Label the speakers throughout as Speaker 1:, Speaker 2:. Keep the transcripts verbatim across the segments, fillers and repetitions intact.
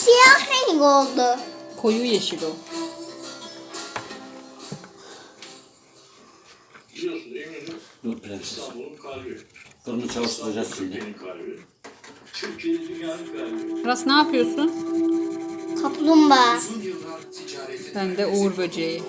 Speaker 1: siyah renk oldu.
Speaker 2: Koyu yeşil o.
Speaker 3: Dur prenses. Fırını çalıştıracağız şimdi.
Speaker 2: Aras ne yapıyorsun?
Speaker 1: Kaplumbağa.
Speaker 2: Ben de Uğur böceği.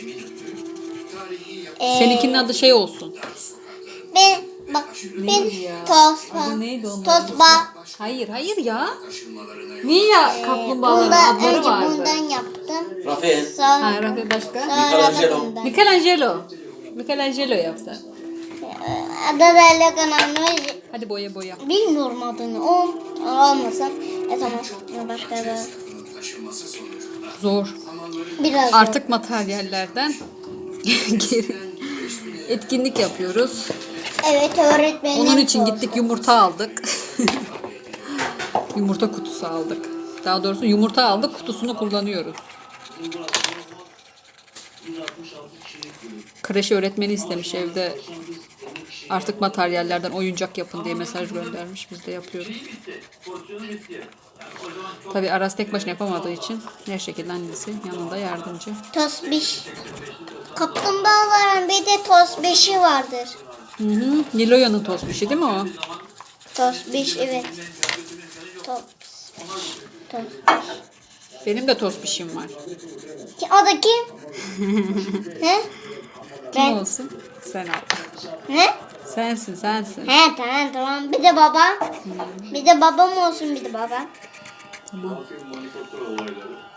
Speaker 1: Ee,
Speaker 2: Seninkinin adı şey olsun.
Speaker 1: Ben bak ben
Speaker 2: Neydi ya?
Speaker 1: tosba.
Speaker 2: Adı neydi onun?
Speaker 1: Tosba.
Speaker 2: Hayır hayır ya. Niye ya kaplumbağaların
Speaker 1: Bundan
Speaker 2: adları
Speaker 1: önce
Speaker 2: vardı?
Speaker 1: bundan yaptım.
Speaker 3: Rafael.
Speaker 1: Sonra,
Speaker 2: Ha, Rafi başka?
Speaker 1: sonra da
Speaker 3: Michelangelo.
Speaker 1: bundan.
Speaker 2: Michelangelo. Michelangelo yapsa.
Speaker 1: Adı da Leonardo.
Speaker 2: Hadi boya boya.
Speaker 1: Bilmiyorum adını. O olmasın. E tamam. Başka da.
Speaker 2: Zor.
Speaker 1: Biraz
Speaker 2: Artık materyallerden geri etkinlik yapıyoruz.
Speaker 1: Evet öğretmenim.
Speaker 2: Onun için
Speaker 1: sordu.
Speaker 2: gittik yumurta aldık. Yumurta kutusu aldık. Daha doğrusu yumurta aldık, kutusunu kullanıyoruz. Kreş öğretmeni istemiş evde artık materyallerden oyuncak yapın diye mesaj göndermiş. Biz de yapıyoruz. Tabii Aras tek başına yapamadığı için her şekilde annesi yanında yardımcı.
Speaker 1: Tosbiş. Kaplumbağaların bir de tosbişi vardır.
Speaker 2: Hı hı. Niloya'nın tosbişi değil mi o?
Speaker 1: Tosbiş evet. Tos. Tos.
Speaker 2: Benim de tosbişim var.
Speaker 1: Ki- O da kim? ne?
Speaker 2: Kim
Speaker 1: Ben.
Speaker 2: olsun? Sen al.
Speaker 1: Ne?
Speaker 2: Sensin sensin.
Speaker 1: He tamam tamam. Bir de baba. Bir de babam olsun bir de baba.
Speaker 2: Tamam.
Speaker 3: Manifaktura olayları.